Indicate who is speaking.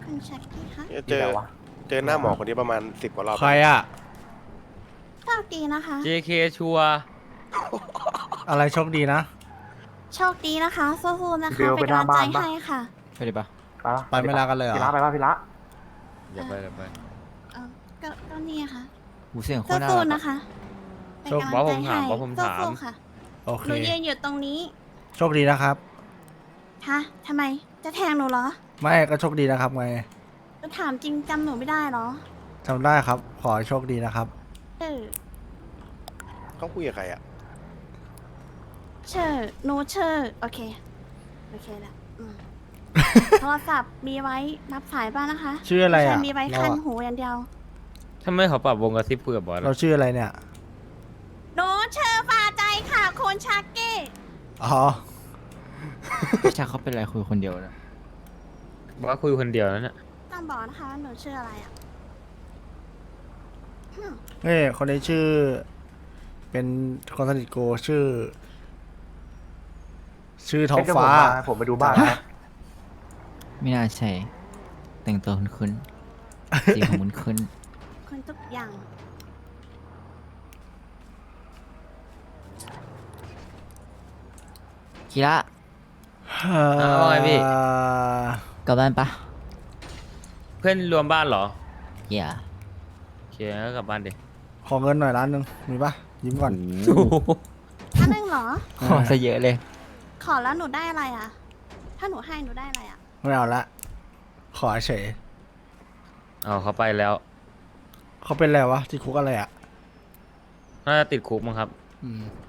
Speaker 1: คุณชักกี้คะ
Speaker 2: เจอเจอหน้าหมอคนนี้ประมาณ10 กว่ารอบ
Speaker 3: ใครอ่ะ
Speaker 1: โชคดีนะคะ
Speaker 4: JK ชัวร์
Speaker 3: อะไรโชคดีนะ
Speaker 1: โชคดีนะคะสู้ๆนะคะ
Speaker 5: เบล
Speaker 1: เป็น
Speaker 5: ไปหน้า
Speaker 1: กำลังใจ
Speaker 5: บ้านปะ
Speaker 1: ให้ค่ะ
Speaker 4: ไปดิปะ
Speaker 3: ไปไม่ลากันเลยเหรอ
Speaker 5: พี่ละไปป่ะพี่ละ
Speaker 4: อย่าไปอย่าไป
Speaker 1: เออก็นี่ค่ะ
Speaker 4: หูเสียงโคตรน่า
Speaker 1: สู้
Speaker 4: รัก
Speaker 1: ๆ
Speaker 4: อะ
Speaker 1: นะคะ เป็น
Speaker 3: โชค
Speaker 1: กำลังใจให้
Speaker 4: บอสผมถาม
Speaker 1: สู้ๆค่ะ
Speaker 3: โอเค
Speaker 1: หนูยืนอยู่ตรงนี้
Speaker 3: โชคดีนะครับ
Speaker 1: ฮะทำไมจะแทงหนูเหรอ
Speaker 3: ไม่ก็โชคดีนะครับไง
Speaker 1: จะถามจริงจำหนูไม่ได้เหรอ
Speaker 3: จำได้ครับ ขอให้โชคดีนะครับ
Speaker 1: เออ
Speaker 2: เขาคุยกับใครอ่ะ
Speaker 1: เชอร์หนูเชอร์โอเคโอเคแล้วโทรศัพท์มีไว้รับสายบ้างนะคะ
Speaker 3: ชื่ออะไรอ่ะ
Speaker 1: ม่ใช่มีไว้
Speaker 3: เรา
Speaker 1: คัน
Speaker 3: อะ
Speaker 1: หูอย่างเดียว
Speaker 4: ทำไมเขาปรับวงกระซิบคุยกับบอส
Speaker 3: เราชื่ออะไรเนี่ย
Speaker 1: หนูเชอร์ฟาใจค่ะคุณชักกี้
Speaker 3: อ๋อ
Speaker 4: พี่ชาเขาเป็นไรคุยคนเดียวนะบอสคุยคนเดียวนั่นน่ะ
Speaker 1: ต้องบอกนะคะว่าหนูชื่ออะไรอ่ะ
Speaker 3: เฮ้ยคนนี้ชื่อ เป็นคนสนิทโกชื่อ ท้องฟ้า
Speaker 5: ผมไปดูบ้านนะ
Speaker 6: ไม่น่าใช่ แต่งตัวคุ้นๆ สีผมคุ้น
Speaker 1: คนทุกอย่าง
Speaker 6: ๆคิระ
Speaker 4: ว่าไงพี่
Speaker 6: กลับบ้านปะ
Speaker 4: เพื่อนรวมบ้านเหรอ
Speaker 6: เหี้ย
Speaker 4: โอเคงั้นก็กลับบ้านดิ
Speaker 3: ขอเงินหน่อยล้านหนึ่งมีปะยิ้มก่อน
Speaker 1: ถ้านึงเหรอ
Speaker 6: ขอซะเยอะเลย
Speaker 1: ขอแล้วหนูได้อะไรอ่ะ ถ้าหนูให้หนูได้อะไรอ่ะ
Speaker 3: ไม่เอาละ ขอเฉย
Speaker 4: เอาเขาไปแล้ว
Speaker 3: เขาเป็นอะไรวะที่คุกอะไรอ่ะ
Speaker 4: น่าจะติดคุกมั้งครับ
Speaker 3: อืม